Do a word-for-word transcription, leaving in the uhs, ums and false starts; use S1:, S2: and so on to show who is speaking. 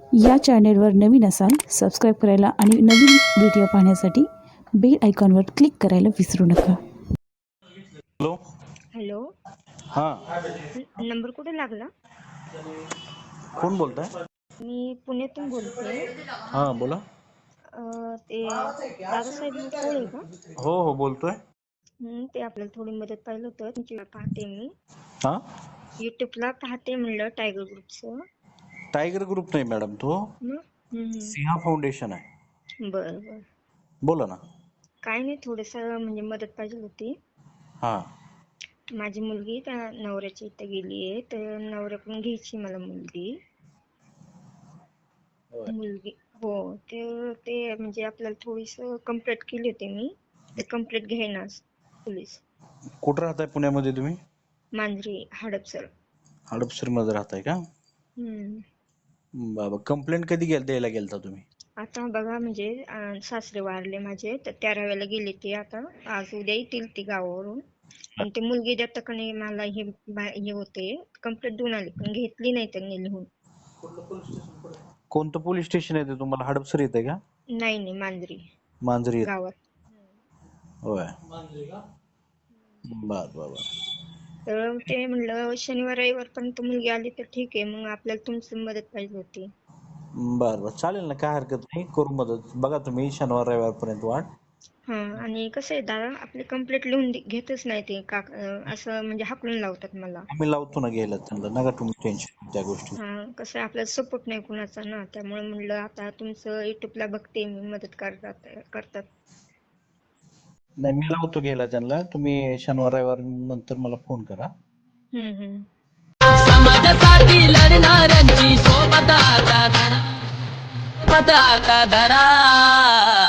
S1: या चॅनेलवर नवीन असाल सबस्क्राईब करायला आणि नवीन व्हिडिओ पाहण्यासाठी बेल आयकॉनवर क्लिक करायला विसरू नका.
S2: Hello
S3: hello.
S2: हां
S3: न- नंबर कुठे लागला?
S2: कोण बोलताय?
S3: मी पुण्यातून बोलते.
S2: हां बोला.
S3: अं, ते दादासाहेब कोळे का?
S2: हो हो बोलतोय.
S3: हं, ते आपल्याला थोडी मदत पाहिलं होतं. तुमची पाहते मी.
S2: हां
S3: युट्यूबला पाहते म्हणलं टायगर ग्रुपचं.
S2: टायगर ग्रुप नाही मॅडम, तो
S3: मग हं,
S2: सिंहा फाउंडेशन आहे.
S3: हं. बरं बरं.
S2: बोला ना.
S3: काय नाही, थोडंसं म्हणजे मदत पाहिजे होती.
S2: हां
S3: माझी मुलगी त्या नवऱ्याच्या इथं गेली आहे, तर नवऱ्याकडून घ्यायची मला मुलगी. मुलगी हो. ते ते म्हणजे आपल्याला थोडीसं कंप्लेंट केली होती मी. ते कंप्लेंट घेईनाच पोलीस.
S2: कुठं राहताय पुण्यामध्ये तुम्ही?
S3: मांजरी हडपसर.
S2: हडपसरमध्ये राहताय का?
S3: हम्म.
S2: बाबा, कंप्लेंट कधी गेल द्यायला गेलता तुम्ही?
S3: आता बघा म्हणजे अं, सासरे वारले माझे, तर तेराव्याला गेले ते. आता आज उद्या येतील ती गावावरून. आणि ती मुलगी देता का नाही मला हे बा- हे होते. कंप्लेंट देऊन आली पण घेतली नाही त्यांनी लिहून.
S2: कोणतं पोलीस स्टेशन आहे ते तुम्हाला? हडपसर येते का?
S3: नाही नाही, मांजरी
S2: मांजरी येते.
S3: गावात.
S2: होय. बर बर बर.
S3: तर ते म्हणलं शनिवार रविवार पर्यंत मुलगी आली तर ठीक आहे, मग आपल्याला तुमची मदत पाहिजे होती.
S2: बर बर चालेल ना, काय हरकत नाही, करू मदत. बघा तुम्ही शनिवार रविवार पर्यंत वाट.
S3: हा. आणि कसं आहे दादा, आपली कंप्लेंट लिहून दे- घेतच नाही ते का अं, असं म्हणजे हाकलून लावतात मला.
S2: आम्ही लावतो ना घ्यायला त्यांना, नका तुम्ही टेन्शन त्या गोष्टी.
S3: हा. कसं आहे, आपल्याला सपोर्ट नाही कुणाचा ना, त्यामुळे म्हणलं आता तुमचं युट्यूबला बघते मी, मदत करतात करतात.
S2: नाही, मी लावतो घ्यायला त्यांना. तुम्ही शनिवार रविवार नंतर मला फोन करा.
S3: हम्म हम्म.
S4: समाजासाठी लढणाऱ्यांची सोबत आता धरा, सोबत आता धरा.